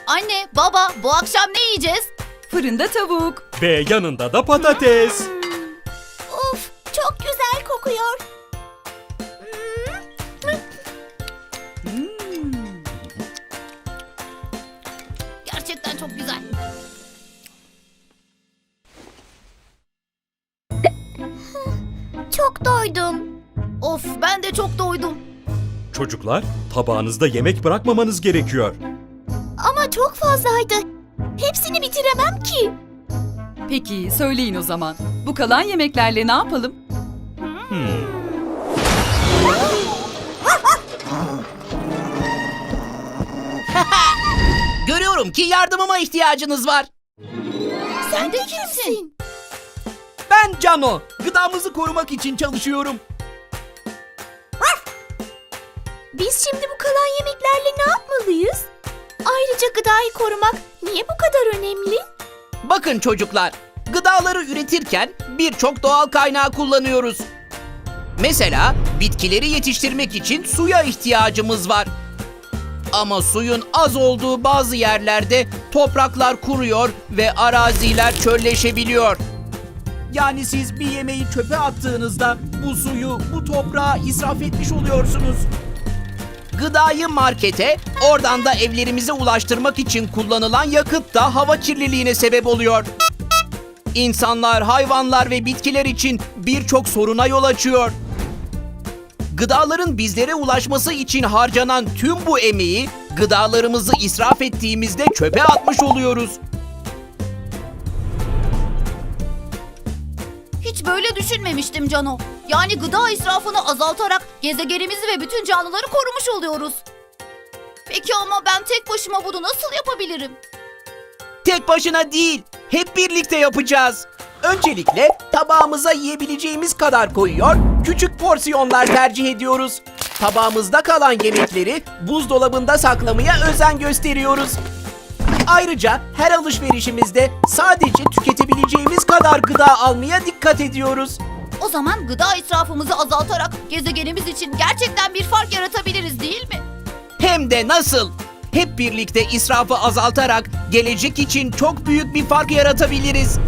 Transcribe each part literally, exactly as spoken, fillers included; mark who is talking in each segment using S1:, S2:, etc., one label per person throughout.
S1: Anne, baba, bu akşam ne yiyeceğiz?
S2: Fırında tavuk.
S3: Ve yanında da patates.
S1: Of, çok güzel kokuyor. Gerçekten çok güzel. Çok doydum. Of, ben de çok doydum.
S3: Çocuklar, tabağınızda yemek bırakmamanız gerekiyor.
S1: Ama çok fazlaydı. Hepsini bitiremem ki.
S2: Peki söyleyin o zaman. Bu kalan yemeklerle ne yapalım?
S4: Görüyorum ki yardımıma ihtiyacınız var.
S1: Sen de kimsin?
S4: Ben Cano. Gıdamızı korumak için çalışıyorum.
S1: Biz şimdi bu kalan yemeklerle ne yapmalıyız? Ayrıca gıdayı korumak niye bu kadar önemli?
S4: Bakın çocuklar, gıdaları üretirken birçok doğal kaynağı kullanıyoruz. Mesela bitkileri yetiştirmek için suya ihtiyacımız var. Ama suyun az olduğu bazı yerlerde topraklar kuruyor ve araziler çölleşebiliyor. Yani siz bir yemeği çöpe attığınızda bu suyu, bu toprağı israf etmiş oluyorsunuz. Gıdayı markete, oradan da evlerimize ulaştırmak için kullanılan yakıt da hava kirliliğine sebep oluyor. İnsanlar, hayvanlar ve bitkiler için birçok soruna yol açıyor. Gıdaların bizlere ulaşması için harcanan tüm bu emeği, gıdalarımızı israf ettiğimizde çöpe atmış oluyoruz.
S1: Hiç böyle düşünmemiştim Cano. Yani gıda israfını azaltarak gezegenimizi ve bütün canlıları korumuş oluyoruz. Peki ama ben tek başıma bunu nasıl yapabilirim?
S4: Tek başına değil, hep birlikte yapacağız. Öncelikle tabağımıza yiyebileceğimiz kadar koyuyor, küçük porsiyonlar tercih ediyoruz. Tabağımızda kalan yemekleri buzdolabında saklamaya özen gösteriyoruz. Ayrıca her alışverişimizde sadece tüketebileceğimiz kadar gıda almaya dikkat ediyoruz.
S1: O zaman gıda israfımızı azaltarak gezegenimiz için gerçekten bir fark yaratabiliriz değil mi?
S4: Hem de nasıl? Hep birlikte israfı azaltarak gelecek için çok büyük bir fark yaratabiliriz.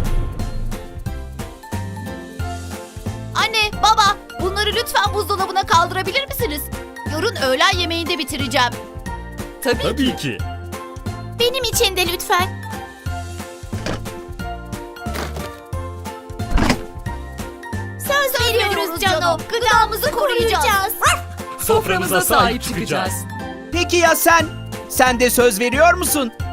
S1: Anne, baba, bunları lütfen buzdolabına kaldırabilir misiniz? Yarın öğlen yemeğinde bitireceğim.
S2: Tabii,
S3: Tabii ki.
S1: Benim için de lütfen. Söz veriyoruz Cano. Gıdamızı koruyacağız.
S2: Soframıza sahip çıkacağız.
S4: Peki ya sen? Sen de söz veriyor musun?